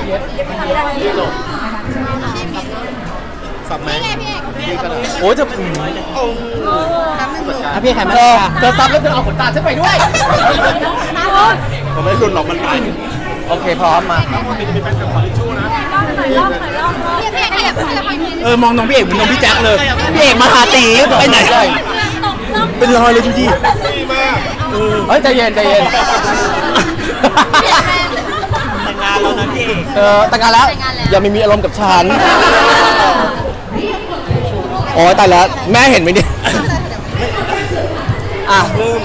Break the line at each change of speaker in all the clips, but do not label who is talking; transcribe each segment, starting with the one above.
สับไหมพี่กระดาษ
โอ้จะถ้าพี่แข่งมันเธอซับแล้วเธอเอาขนตาฉันไปด้วย
ผมไม่หลุดหรอกมันไป
โอเคพร้อมมา
มองน้องพี่เอกเหมือนน้องพี่แจ็คเลยพี่เอกมาหาตีไปไหนเป็นรอยเลยดูดิ
เฮ้ยใจเย็นใจเย็น
แต่งงานแล้วนะพี่
แต่งงานแล้วอย่าไม่มีอารมณ์กับฉันโอ้ยตายแล้วแม่เห็นไหมเนี่ย
เริ่ม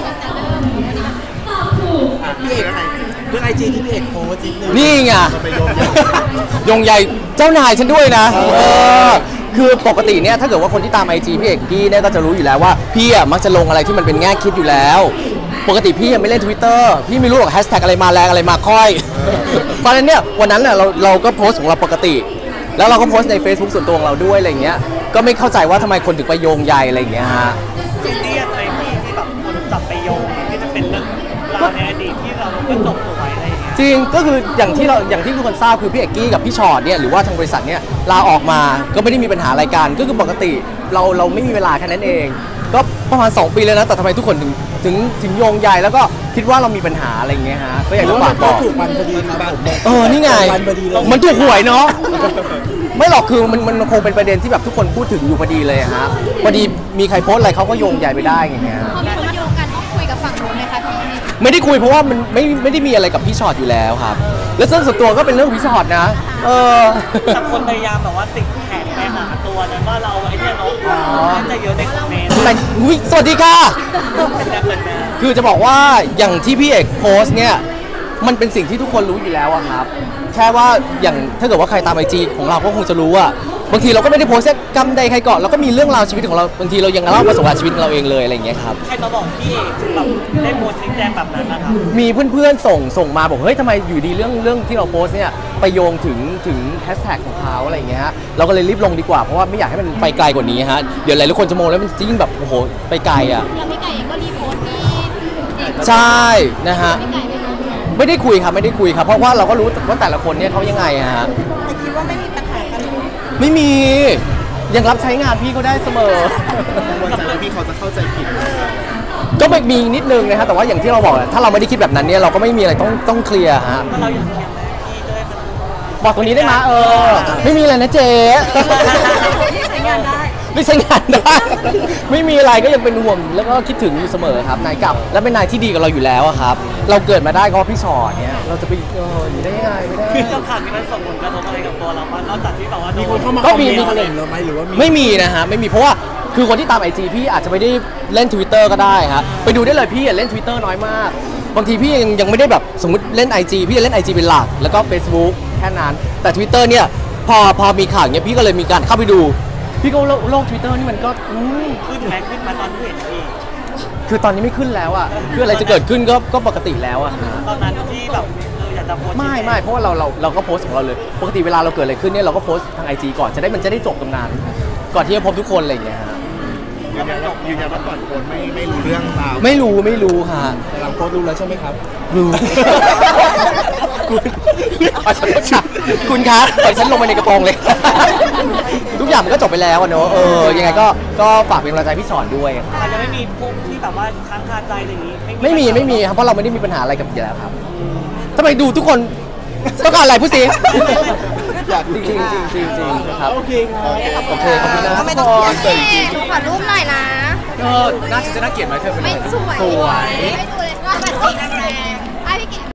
พี่เอกเรื่องไอจีที่พี่เอกโพสต์
นี่ไงยงใหญ่เจ้านายฉันด้วยนะคือปกติเนี่ยถ้าเกิดว่าคนที่ตาม IG พี่เอกพี่เนี่ยก็จะรู้อยู่แล้วว่าพี่มักจะลงอะไรที่มันเป็นแง่คิดอยู่แล้วปกติพี่ไม่เล่น Twitter พี่ไม่รู้หรอกแฮชแท็กอะไรมาแรงอะไรมาค่อยเพราะฉะนั้นเนี่ยวันนั้นเนี่ยเราก็โพสต์ของเราปกติแล้วเราก็โพสต์ใน Facebook ส่วนตัวของเราด้วยอะไรอย่างเงี้ยก็ไม่เข้าใจว่าทำไมคนถึงไปโยงใยอะไรอย่างเงี้ยฮะ
ซีเรียสอะไรที่แบบคนจับไปโยงที่จะเป็นเรื่องราวในอดีตที่เราไม่จบสวยอะไรอย่างเงี้ย
จริงก็คืออย่างที่ทุกคนทราบคือพี่เอกกี้กับพี่ชอตเนี่ยหรือว่าทางบริษัทเนี่ยลาออกมาก็ไม่ได้มีปัญหาอะไรกันก็คือปกติเราไม่มีเวลาแค่นั้นเองก็ประมาณ2 ปีแล้วนะแต่ทำไมทุกคนถึงโยงใยแล้วก็คิดว่าเรามีปัญหาอะไรอย่างเงี้ยฮะก็อยากจะฝากบอก
ถูกวันพอดีครับ
นี่ไงมันถูกหวยเนาะไม่หรอกคือมันคงเป็นประเด็นที่แบบทุกคนพูดถึงอยู่พอดีเลยฮะพอดีมีใครโพสอะไรเขาก็โยงใยไปได้อย่างเงี้ย
พอมีคนมาโยงกันต้องคุยกับฝั่งนู้นไหมคะพี่
ไม่ได้คุยเพราะว่ามันไม่ได้มีอะไรกับพี่ชอตอยู่แล้วครับแล้วส่วนตัวก็เป็นเรื่องพี่ชอตนะ
แต่คนพยายามแบบว่าติดแขกไปหาตัวนั้นว่าเราไอ้เนี่ยน้องจะเยอะในคอมเมนต์
สวัสดีค่ะคือจะบอกว่าอย่างที่พี่เอกโพสเนี่ยมันเป็นสิ่งที่ทุกคนรู้อยู่แล้วอะครับแค่ว่าอย่างถ้าเกิดว่าใครตาม IG ของเราก็คงจะรู้ว่าบางทีเราก็ไม่ได้โพสต์แค่กำใดใครเกาะเราก็มีเรื่องราวชีวิตของเราบางทีเรายังเล่าประสบการณ์ชีวิตของเราเองเลยอะไรอย่างเงี้ยครับ
ใครมาบอกพี่เอกถึงแบบได้โพสต์ชี้แจงแบบนั้นนะครับ
มีเพื่อนๆส่งมาบอกเฮ้ยทำไมอยู่ดีเรื่องที่เราโพสต์เนี่ยไปโยงถึงแฮชแท็กของเขาอะไรอย่างเงี้ยฮะเราก็เลยรีบลงดีกว่าเพราะว่าไม่อยากให้มันไปไกลกว่านี้ฮะเดี๋ยวหลายๆคนจะมองแล้วมันยิ่งแบบโอ้โหไปไกลอ่ะ
แล้วพี่ไก่เองก็รีโพสต์นี่
ใช่นะฮะไม่ได้คุยครับไม่ได้คุยครับเพราะว่าเราก็รู้ว่าแต่ละคนเนี่ยเขายังไงฮะ
คิดว่าไม่มีปัญหากัน
ไม่มียังรับใช้งานพี่เขาได้เสมอ
วันจันทร์พี่เขาจะเข้าใจผิด
ก็ไม่มีนิดนึงนะครับแต่ว่าอย่างที่เราบอกถ้าเราไม่ได้คิดแบบนั้นเนี่ยเราก็ไม่มีอะไรต้องเคลียร์ฮะ
เราอยากเคลียร์ไหมพี่ด้วย
บอกตรงนี้ได้ไหมไม่มีอะไรนะเจ๊
ใช้งานได้
ไม่ใช้งานได้ไม่มีอะไรก็ยังเป็นห่วงแล้วก็คิดถึงอยู่เสมอครับนายกับและเป็นนายที่ดีกับเราอยู่แล้วครับเราเกิดมาได้ก็พี่ชอตเนี่ยเราจะไปอยู่ได้ยังไงไม่ได้
คือข่าวนี้มันส่งผลกระทบอะไรกับตัวเราบ้างนอกจากที่แบบว่า
มีคนเข้ามาคอมเมนต์อะไรเราไหมหรือว่า
ไม่มีนะฮะไม่มีเพราะว่าคือคนที่ตาม IG พี่อาจจะไม่ได้เล่น Twitter ก็ได้ครับไปดูได้เลยพี่เล่น Twitter น้อยมากบางทีพี่ยังไม่ได้แบบสมมติเล่น IG พี่จะเล่น IG เป็นหลักแล้วก็ Facebook แค่นั้นแต่ Twitter เนี่ยพอมีข่าวเนี้ยพี่ก็เลยมีการเข้าไปดูพี่ก็โลก Twitter นี่มันก็
ขึ้นไหมขึ้นมาตอนที่เห็นพี่
คือตอนนี้ไม่ขึ้นแล้วอ่ะคืออะไรจะเกิดขึ้นก็ปกติแล้วอ่ะ
ตอนนั้นที่แบบอยากจะโพส
ไม่เพราะว่าเราก็โพสของเราเลยปกติเวลาเราเกิดอะไรขึ้นเนี่ยเราก็โพสทาง IG ก่อนมันจะได้จบตรงนั้นก่อนที่จะพบทุกคนอะไรอย่างเงี้ยฮะ
ยืนยันว่าก่อนโพสไม่รู้เรื่องราว
ไม่รู้ค่ะ
แต่หลังโพสรู้แล้วใช่ไหมครับ
รู้คุณคะปล่อยฉันลงไปในกระโปรงเลยทุกอย่างมันก็จบไปแล้วเนอะยังไงก็ฝากเป็นกำลังใจพี่สอนด้วย
อาจจะไม่มีพวกที่แบบว่าค้างคาใจอะไรอย่างนี้
ไม่มีครับเพราะเราไม่ได้มีปัญหาอะไรกับอยู่แล้วครับทำไมดูทุกคนต้องการอะไรพูดสิอยากจริงครับ
โอเค
ขอบคุณนะ
ไม่ต้องขอรูปหน่อยนะ
น่าจะน่าเกลียดไหมเธอ
ไม่สวยไม่ดูเลยว่าแบบสีแรงไอ้พี่เก